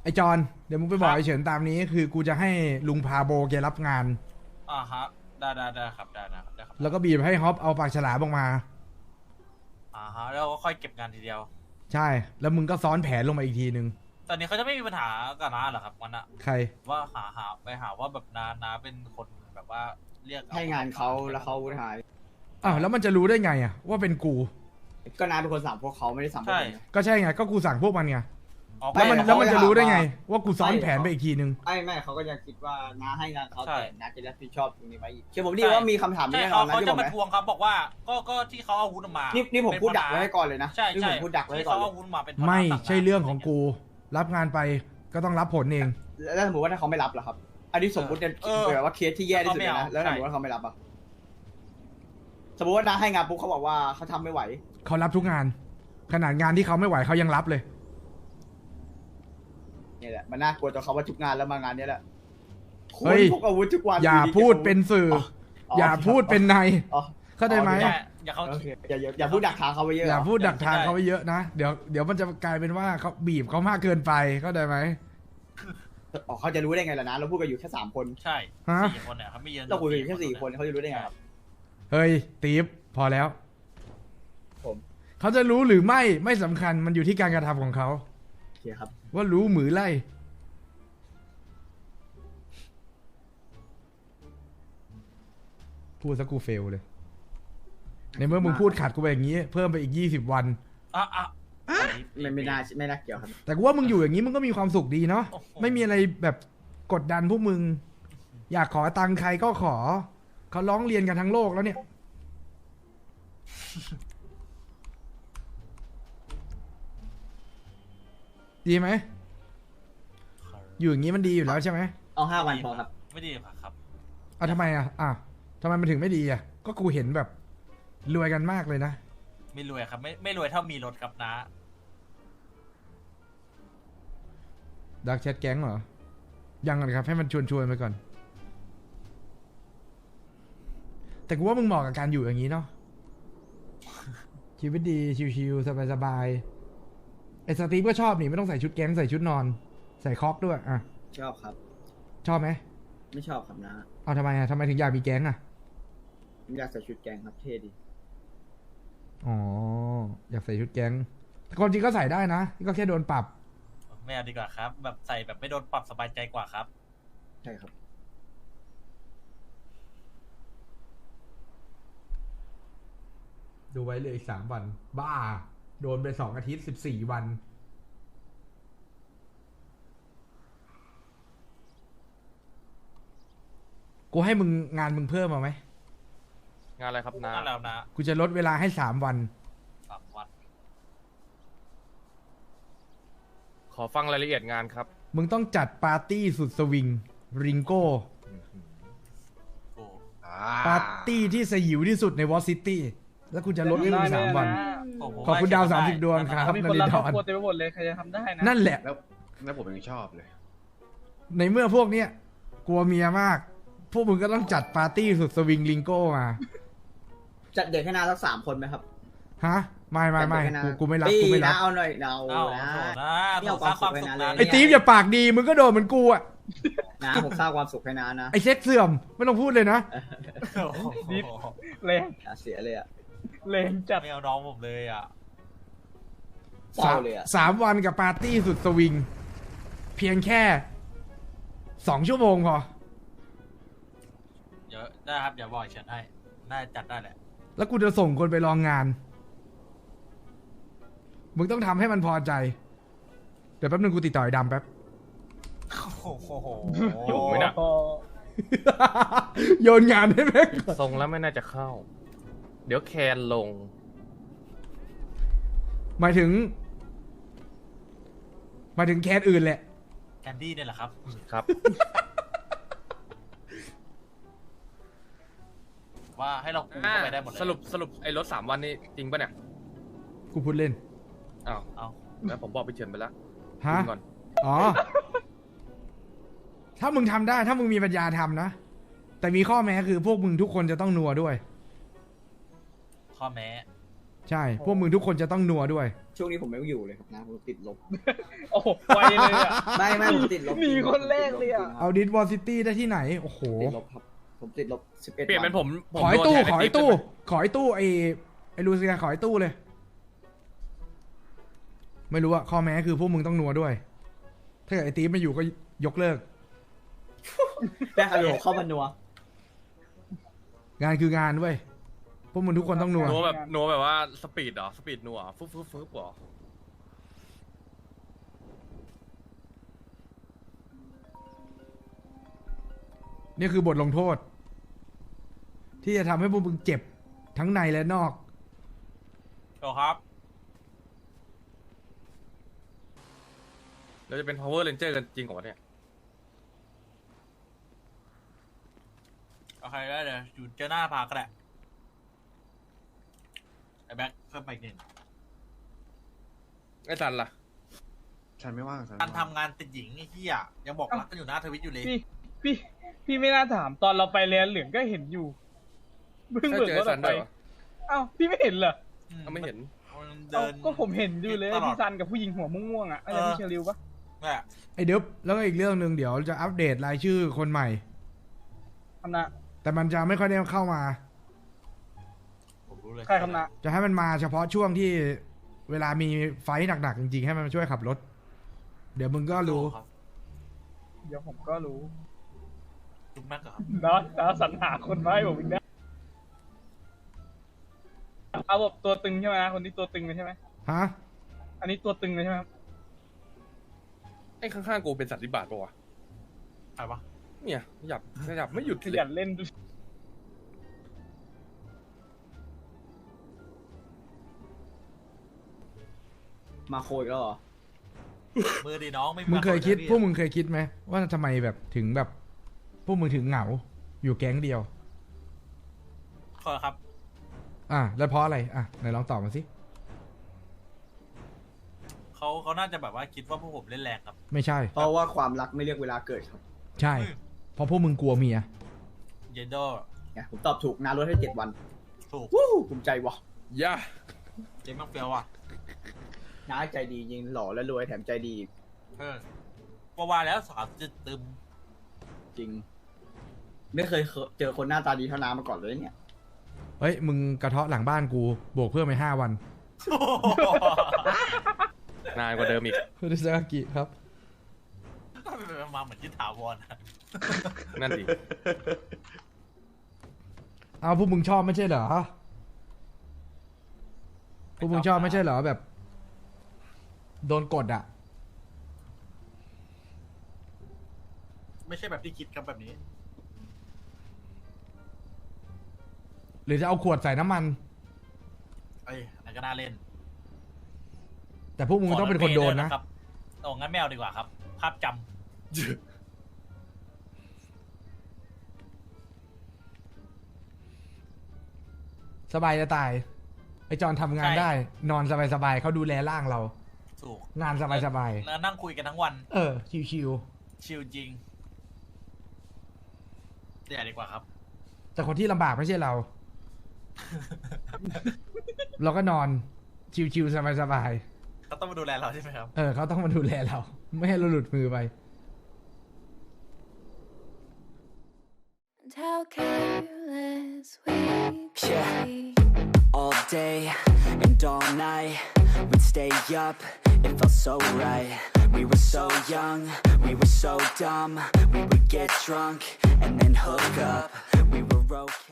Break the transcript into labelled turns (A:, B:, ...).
A: ไอจอนเดี๋ยวมึงไปบอกไอเฉินตามนี้คือกูจะให้ลุงพาโบแกรับงาน
B: ฮะได้ครับได้นะครับได้ครับ
A: แล้วก็บีบให้ฮอปเอาปากฉลามออกมา
B: ฮะแล้วก็ค่อยเก็บงานทีเดียว
A: ใช่ แล้วมึงก็ซ้อนแผนลงมาอีกทีนึง
B: ตอนนี้เขาจะไม่มีปัญหากับน้าเหรอครับวันน่ะ
A: ใคร
B: ว่าไปหาว่าแบบน้าเป็นคนแบบว่าเรียก
C: ให้งานเขาแล้วเขาหาย
A: อ้าวแล้วมันจะรู้ได้ไงอะว่าเป็นกู
C: ก็น้าเป็นคนสั่งพวกเขาไม่ได้สั่งพวกผม
A: ก็ใช่ไงก็กูสั่งพวกมันไง
B: อ๋อ
A: แล้วมัน
C: ไม่
A: แล้วมันจะรู้ได้ไง
C: เขา
A: ว่ากูซ้อนแผนไปอีกทีนึง
C: ไม่เขาก็ยังคิดว่าน้าให้งานเขาแต่น้าจะรับผิดชอบตรงนี้ไว้อีกเชื่อผมดิว่ามีคำถามนี้
B: ใช่
C: แน่นอนนะ
B: เขา
C: ที่
B: จะ
C: ผม
B: มาทวงครับบอกว่าก็ที่เขาเอาอาวุธมา
C: นี่ผมพูดดักไว้ให้ก่อนเลยนะ
B: ใช่
C: นี่ผมพูดดักไว้ให้
B: ที่
C: ก่อน
B: เขา
C: เล
B: เอา
C: ย
B: อาวุธมาเป็น
A: ไม่ใช่เรื่องของกู รับงานไปก็ต้องรับผลเอง
C: แล้วสมมติว่าถ้าเขาไม่รับล่ะครับ อันนี้สมมติเนี่ยแบบว่าเคสที่แย่ที่สุดเลยนะแล้วสมมติว่าเขาไม่รับอ่ะสมมติว่าน้าให้งานปุ๊บเขาบอกว่าเขาทำไม่ไหว
A: เขารับทุกงาน ขนาดงานที่เขาไม่ไหวเขายังรับเลย
C: เนี่ยแหละมันน่ากลัวตอนเขาว่าทุกงานแล้วมางานนี้แหละ
A: เฮ้ย
C: พกอาวุธทุกวัน
A: อย่าพูดเป็นสื่อ อย่าพูดเป็นใน
C: อ๋อ
A: เข้าใจไหม
B: อย่าเขา
C: โอเคอย่าพูดดักทางเขาไปเยอะ
A: อย่าพูดดักทางเขาไว้เยอะนะ เดี๋ยวมันจะกลายเป็นว่าเขาบีบเขามากเกินไปเข้าใจไหม
C: อ๋อเขาจะรู้ได้ไงล่ะนะเราพูดกันอยู่แค่3 คน
B: ใช่
A: ฮะ
B: 4 คนเนี่ยครับไม่เยอะ
C: เราคุยกันอยู่แค่4 คนเขาจะรู้ได้ไงครับ
A: เฮ้ยตีฟพอแล้ว
C: ผม
A: เขาจะรู้หรือไม่สำคัญมันอยู่ที่การกระทำของเขา
C: โอเคครับ
A: ว่ารู้หรือไล่พูดซะกูเฟลเลย ในเมื่อมึงพูดขัดกูไปอย่างนี้ เพิ่มไปอีก20 วัน
B: อ่ะ
C: ไม่น่าเกี่ยวครับ
A: แต่กูว่ามึงอยู่อย่างนี้มึงก็มีความสุขดีเนาะ
B: โอ้โห
A: ไม่มีอะไรแบบกดดันพวกมึง อยากขอตังค์ใครก็ขอ เขาร้องเรียนกันทั้งโลกแล้วเนี่ย ดีไหม อยู่อย่างนี้มันดีอยู่แล้วใช่ไหม
C: เอา5 วันพอครับ
B: ไม่ดีครับ
A: อ่ะทำไมทำไมมันถึงไม่ดีอ่ะ ก็กูเห็นแบบรวยกันมากเลยนะ
B: ไม่รวยครับไม่รวยเท่ามีรถกับน้า
A: ดักแชทแก๊งเหรอ ยังก่อนครับ ให้มันชวนไปก่อน แต่กูว่ามึงเหมาะกับการอยู่อย่างนี้เนาะ ชีวิตดี ชิวๆสบายๆไอ้สตีฟก็ชอบนี่ไม่ต้องใส่ชุดแก๊งใส่ชุดนอน ใส่คอกด้วยอ่ะ
C: ชอบครับ
A: ชอบไหม
C: ไม่ชอบครับนะ
A: เอาทำไมอ่ะทำไมถึงอยากมีแก๊งอ่ะ
C: ผมอยากใส่ชุดแกงครับเท่ดี
A: อ๋อ อยากใส่ชุดแก๊งแต่ความจริงก็ใส่ได้นะ ก็แค่โดนปรับ
B: ไม่เอาดีกว่าครับ แบบใส่แบบไม่โดนปรับสบายใจกว่าครับ
C: ใช่ครับ
A: ดูไว้เลยอีก3 วัน บ้า โดนไป2 อาทิตย์14 วัน กูให้มึงงานมึงเพิ่มมาไหม
D: งานอะไรครับนา
B: นั่นแล้วนะ
A: กูจะลดเวลาให้3 วัน
B: 3 วัน
D: ขอฟังรายละเอียดงานครับ
A: มึงต้องจัดปาร์ตี้สุดสวิง ริงโก้
B: โอ้
A: ปาร์ตี้ที่สยิวที่สุดในวอซิตี้ แล้วกูจะลดให้มึง3 วัน
B: โห
A: ขอบคุณดาว30 ดวงครับ
E: มี
A: นา
E: คน
A: ริ
E: รัก
A: น
E: ค
A: ท
E: รอบ
A: ร์
E: ครัวเต็มไปหมดเลยใครจะทำได้นะ
A: นั่นแหละ
F: แล้วผมยังชอบเลย
A: ในเมื่อพวกเนี้ยกลัวเมียมาก พวกมึงก็ต้องจัดปาร์ตี้สุดสวิงลิงโก้มา
C: จัดเด็กให้นาสัก3 คนไหมครับ
A: ฮะ ไม่
C: จัดเด็กให้นา
A: กูไม่รับ
C: ปี
A: กูไม่รั
C: นะ
A: บ
C: เอาหน่อยเอา
B: เอ้า
C: นะ
B: นะ
C: นี่เอาความสุขไว้นะเลย
A: ไอ้ตีฟอย่าปากดี มึงก็โดนเหมือนกูอ่ะ
C: นะผมสร้างความสุขให้นานะ
A: ไอ้เซ็ตเสื่อม ไม่ต้องพูดเลยนะ
B: โอ้โห
E: แรง
C: อย่าเสียเลยอ่ะ
E: แรงจัด
B: ไม่เอาน้องผมเลยอ่ะ
C: เศร้าเลยอ่ะ
A: 3 วันกับปาร์ตี้สุดสวิง เพียงแค่ 2 ชั่วโมงพอ
B: เดี๋ยวได้ครับเดี๋ยวบอกเฉินให้น่าจะจัดได้แหละ
A: แล้วกูจะส่งคนไปลองงาน มึงต้องทำให้มันพอใจ เดี๋ยวแป๊บนึงกูติดต่อไอ้ดำแป๊บ
B: โอ้โห
D: อยู่ไหมน่ะ
E: พอ
A: โยนงานให้แม่ง
D: ทรงแล้วไม่น่าจะเข้า เดี๋ยวแคนลง
A: หมายถึงแคสอื่นแหละ
B: แคนดี้เนี่ยแหละครับ
D: ครับ
B: ว่าให้เราคุมเข้าไปได้หมดเลย
D: สรุปไอ้รถ3 วันนี่จริงปะเนี่ย
A: กูพูดเล่น
D: อ้าว
B: เอา
D: แล้วผมบอกไปเฉินไปแล้ว
A: ฮะ
D: คุยก่อน
A: อ๋อ ถ้ามึงทำได้ ถ้ามึงมีปัญญาทำนะ แต่มีข้อแม้คือพวกมึงทุกคนจะต้องนัวด้วย
B: ข้อแม้
A: ใช่ พวกมึงทุกคนจะต้องนัวด้วย
C: ช่วงนี้ผมไม่อยู่เลยครับนะผมติดลบ
E: โอ้โหไวเลยอ่ะ
C: ไม่ผมติดลบ
E: หนีคนแรกเลยอะ
A: เอาดิสวอลซิตี้ได้ที่ไหน โอ้โห
C: ติดลบครับผมติดลบ11
D: เปลี่ยนเป็นผม
A: ขอไอ้ตู้
D: โดนแทน
A: ขอไอ้
D: ติ๊บ
A: ตู้
D: ได้ไหม
A: ขอไอ้ตู้ไอ้ลูเซียขอไอ้ตู้เลย ไม่รู้อะข้อแม้คือพวกมึงต้องนัวด้วย ถ้าเกิดไอ้ตีฟไม่อยู่ก็ยกเลิก
C: ได้ครับผมเข้ามานัว
A: งานคืองานเว้ย พวกมึงทุกคนต้องนัว
D: นัวแบบว่าสปีดเหรอสปีดนัวฟึ๊บฟึ๊บฟึ๊บเหรอ
A: นี่คือบทลงโทษ ที่จะทำให้พวกมึงเจ็บทั้งในและนอก
B: โอครับ
D: เราจะเป็น power ranger กันจริงเหรอวะเนี่ย
B: โอเคได้เลยอยู่เจอหน้าพาก็ได้ไอ้แบ็คเพิ่มไปอีกหนึ่ง
D: ไอ้ซันล่ะ
F: ฉันไม่ว่างฉัน
B: การ
F: ไม่ว่าง
B: ทำงานติดหญิงไอ้เหี้ยยังบอกรักกันอยู่หน้าทวิตอยู่เลย
E: พี่ไม่น่าถามตอนเราไปเรียนเหลืองก็เห็นอยู่เพิ่ง
D: ใช่
E: เบิก
D: เจอ
E: ร
D: ไอ้
E: ถ
D: ซั
E: ออน ก
D: ด้
E: ไป
D: วยเหรอ
E: อ้าวพี่ไม่เห็นเหรอ
D: ก็ไม่เห็น
B: มัน
E: เอ้า
B: เดิน
E: ก็ผมเห็นอยู่เลย
B: ตลอด
E: พี่ซันกับผู้หญิงหัวม่วงๆอ่ะอะไรพี่เชลิวปะ
B: นั่นแหละ
A: ไอ้เดิบแล้วก็อีกเรื่องหนึ่งเดี๋ยวจะอัปเดตรายชื่อคนใหม่
E: คำนะ
A: แต่มันจะไม่ค่อยได้เข้ามา
B: ผมรู้เลย
E: ใครคำนะ
A: จะให้มันมาเฉพาะช่วงที่เวลามีไฟท์หนักๆจริงๆให้มันมาช่วยขับรถ เดี๋ยวมึงก็รู้
B: ครับ
E: เดี๋ยวผมก็รู้
B: จุ๊บแม็กเหรอครับ
E: เนาะแล้วสรรหาคนมาให้ผมอีกนะเอาแบบตัวตึงใช่ไหมนะคนที่ตัวตึงเลยใช่ไหม
A: ฮะ
E: อันนี้ตัวตึงเลยใช่ไหมครับ
D: ไอ้ข้างๆกูเป็นสัตว์วิบากปะวะ
B: ใครวะ
D: เนี่ยขยับไม่หยุด
E: ข
D: เล
E: ยั
D: ย
E: นเล่นดู
C: มาโคอีกแล้วเหรอ
B: มือดีน้องไม่มี
A: มึงเคยคิด
B: า
A: พวกมึงเคยคิดไหมว่าทำไมแบบถึงแบบ พวกมึงถึงเหงา อยู่แก๊งเดียว
B: ขอครับ
A: แล้วเพราะอะไรไหนลองตอบมาสิ
B: เขาน่าจะแบบว่าคิดว่าพวกผมเล่นแรงครับ
A: ไม่ใช่
C: เพราะว่าความรักไม่เลือกเวลาเกิดครับ
A: ใช่ เพราะพวกมึงกลัวเมีย
B: เยนโด
C: เนี่ยผมตอบถูกนาลดให้7 วัน
B: ถูก
C: วู้ภูมิใจวะ
D: ย่า
B: เจมส์แม็กเฟียวอ่ะ
C: น้าใจดียิงหล่อและรวยแถมใจดีอีก
B: ว่าแล้วสาวจะตึม
C: จริง ไม่เคยเจอคนหน้าตาดีเท่าน้ามาก่อนเลยเนี่ย
A: เฮ้ย มึงกระเทาะหลังบ้านกู บวกเพิ่มไป5 วัน
D: นานกว่าเดิมอีก
A: คุณดิซากิครับ
B: มาเหมือนที่ถาวรอะ
D: นั่นดิ
A: เอาพวกมึงชอบไม่ใช่เหรอ พวกมึงชอบไม่ใช่เหรอแบบ โดนกด
B: ไม่ใช่แบบที่คิดครับแบบนี้
A: หรือจะเอาขวดใส่น้ำมัน
B: เอ้ยอันนั้นก็น่าเล่น
A: แต่พวกมึงต้องเป็นคนโดนนะ
B: ครับโอ้งั้นแมวดีกว่าครับ ภาพจำ
A: สบายจะตาย ไอจอนทำงานได้ นอนสบายๆเขาดูแลร่างเรา
B: ถูก
A: งานสบาย
B: แล้วนั่งคุยกันทั้งวัน
A: ๆชิว
B: ชิลจริงเดี๋ยวดีกว่าครับ
A: ๆแต่คนที่ลำบากไม่ใช่เรา เราก็นอนชิวๆสบาย
B: เขาต้องมาดูแลเราใช่ไหมครับ
A: ๆเขาต้องมาดูแลเรา ไม่ให้เราหลุดมือไป
G: And how careless we could
H: Yeah.
G: be.
H: All day and all night, we'd stay up, it felt so right. We were so young, we were so dumb. We would get drunk and then hook up. We were okay.